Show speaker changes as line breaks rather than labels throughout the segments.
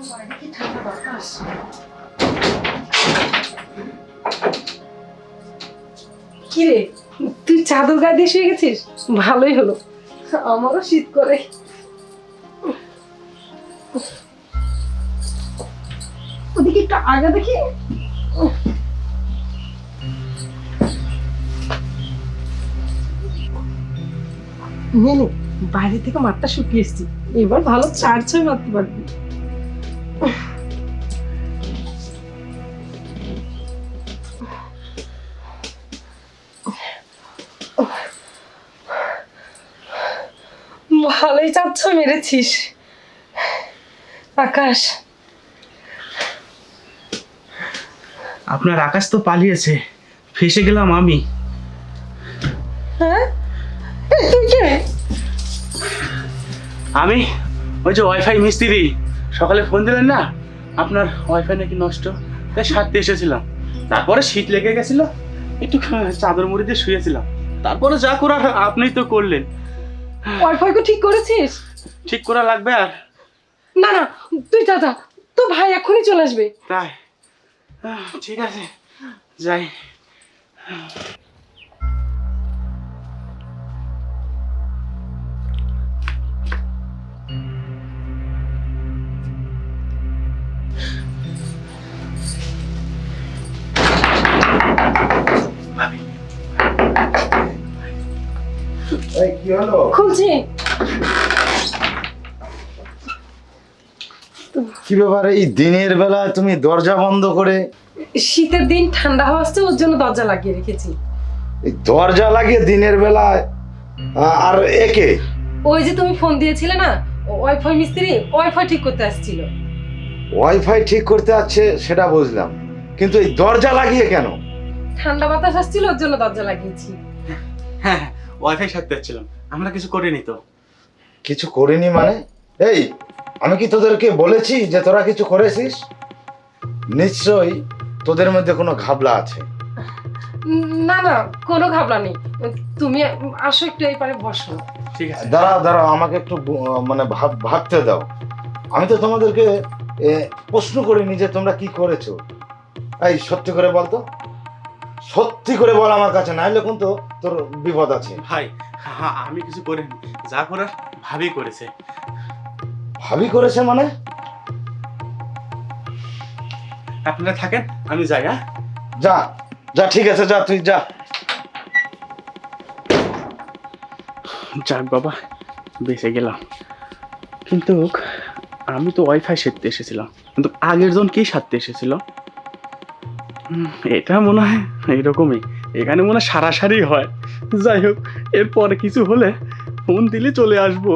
কিরে, তুই চাদর গায়ে দিয়ে শুয়ে গেছিস? ভালোই হলো, আমারও শীত করে। ওদিকে একটু আগে দেখি। বাইরে থেকে মাঠটা শুকিয়ে এসছি, এবার ভালো 4-6 মারতে পারবি। ভালোই 4-6 মেরেছিস আকাশ।
আপনার আকাশ তো পালিয়েছে, ফেসে গেলাম আমি।
হ্যাঁ, তুই কে?
আমি ওই যে ওয়াইফাই মিস্ত্রি, সকালে ফোন দিলেন না আপনার ওয়াইফাই নাকি নষ্ট, তাই সারতে এসেছিলাম। তারপরে শীত লেগে গেছিল, একটু চাদর মুড়ি দিয়ে শুয়েছিলাম। তারপরে যা করার আপনিই তো করলেন।
ওয়াইফাই কো ঠিক করেছিস?
ঠিক করা লাগবে আর?
না না, তুই যা, তো ভাই এখনই চলে আসবে।
তাই ঠিক আছে, যাই।
কি হলো?
খুলছি।
কি ব্যাপার, এই দিনের বেলা তুমি দরজা বন্ধ করে?
শীতের দিন ঠান্ডা হাওয়া আসছে, ওর জন্য দরজা লাগিয়ে রেখেছি।
এই দরজা লাগিয়ে দিনের বেলায়? আর একে?
ওই যে তুমি ফোন দিয়েছিলে না, ওয়াইফাই মিস্ত্রি ওয়াইফাই ঠিক করতে আসছিল।
ওয়াইফাই ঠিক করতে আছে সেটা বুঝলাম, কিন্তু এই দরজা লাগিয়ে কেন?
ঠান্ডা বাতাস আসছিল, ওর জন্য দরজা লাগিয়েছি।
হ্যাঁ, ওয়াইফাই সারতে যাচ্ছিলাম, আমরা কিছু করিনি তো।
কিছু করিনি মানে? এই, আমি কি তোদেরকে বলেছি যে তোরা কিছু করেছিস? নিশ্চয়ই তোদের মধ্যে কোনো ঘাবলা আছে।
না না, কোনো ঘাবলা নেই। তুমি আসো, একটু এই পারে বসো।
ঠিক আছে,
দাঁড়াও, আমাকে একটু মানে ভাবতে দাও। আমি তো তোমাদেরকে প্রশ্ন করিনি যে তোমরা কি করেছো। এই সত্যি করে বল তো, সত্যি করে বল আমার কাছে, নাইলে কিন্তু তোর বিপদ আছে।
ভাই আমি কিছু করিনি, যা করার ভাবি করেছে।
ভাবি করেছে মানে?
আপনারা থাকেন, আমি যাই। হ্যাঁ,
যা যা, ঠিক আছে, যা, তুই যা।
যাক বাবা, বেঁচে গেলাম। কিন্তু আমি তো ওয়াইফাই সারতে এসেছিলাম, কিন্তু আগের জন কি সারতে এসেছিল? এটা মনে হয় এইরকমই, এখানে মনে হয় সারাসারি হয়। যাই হোক, এরপরে কিছু হলে ফোন দিলে চলে আসবো।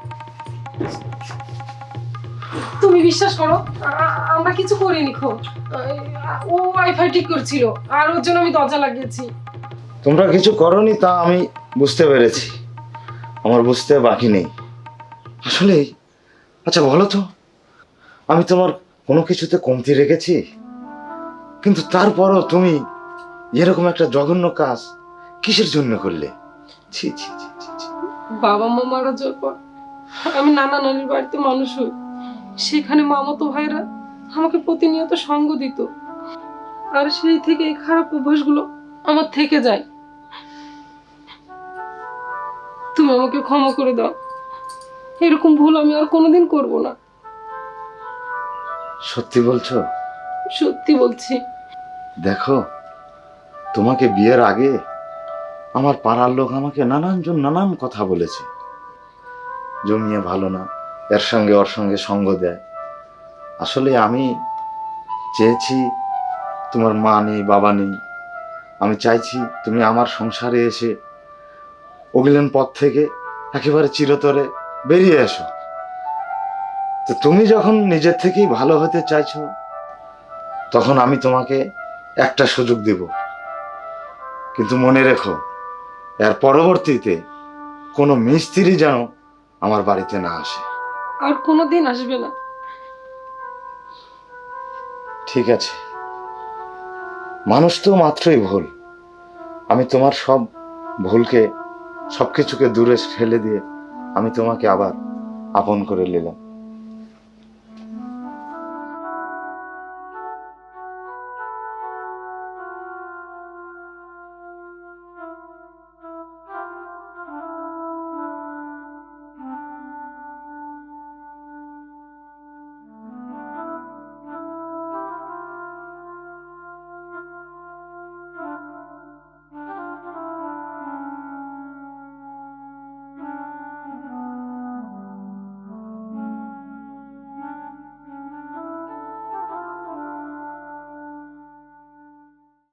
তুমি বিশ্বাস করো, আমরা কিছু করিনি। ও ওয়াইফাই ঠিক করছিল, আর ওর জন্য আমি দরজা লাগিয়েছি।
তোমরা কিছু করনি তা আমি বুঝতে পেরেছি, আমার বুঝতে বাকি নেই আসলে। আচ্ছা বলো তো, আমি তোমার কোনো কিছুতে কমতি রেখেছি? কিন্তু তারপরও তুমি এরকম একটা জঘন্য কাজ কিসের জন্য করলে? ছি ছি ছি ছি ছি।
বাবা মা মারা যাওয়ার পর আমি নানা নানির বাড়িতে মানুষ হই। সেখানে মামাতো ভাইরা আমাকে প্রতিনিয়ত সঙ্গ দিত, আর সেই থেকে এই খারাপ অভ্যাসগুলো আমার থেকে যায়। তুমি আমাকে ক্ষমা করে দাও, এরকম ভুল আমি আর কোনোদিন করব না।
সত্যি বলছো?
সত্যি বলছি।
দেখো, তোমাকে বিয়ের আগে আমার পাড়ার লোক আমাকে নানান কথা বলেছে। জমিয়ে ভালো না, এর সঙ্গে ওর সঙ্গে সঙ্গ দেয়। আসলে আমি চেয়েছি, তোমার মা নেই, বাবা নেই, আমি চাইছি তুমি আমার সংসারে এসে অগিলেন পথ থেকে একেবারে চিরতরে বেরিয়ে এসো। তো তুমি যখন নিজের থেকেই ভালো হতে চাইছো, তখন আমি তোমাকে একটা সুযোগ দেব, কিন্তু মনে রেখো, এর পরবর্তীতে কোনো মিস্ত্রি যেন আমার বাড়িতে না আসে।
আর কোনোদিন আসবে না।
ঠিক আছে, মানুষ তো মাত্রই ভুল। আমি তোমার সব ভুলকে, সবকিছুকে দূরে ফেলে দিয়ে আমি তোমাকে আবার আপন করে নিলাম।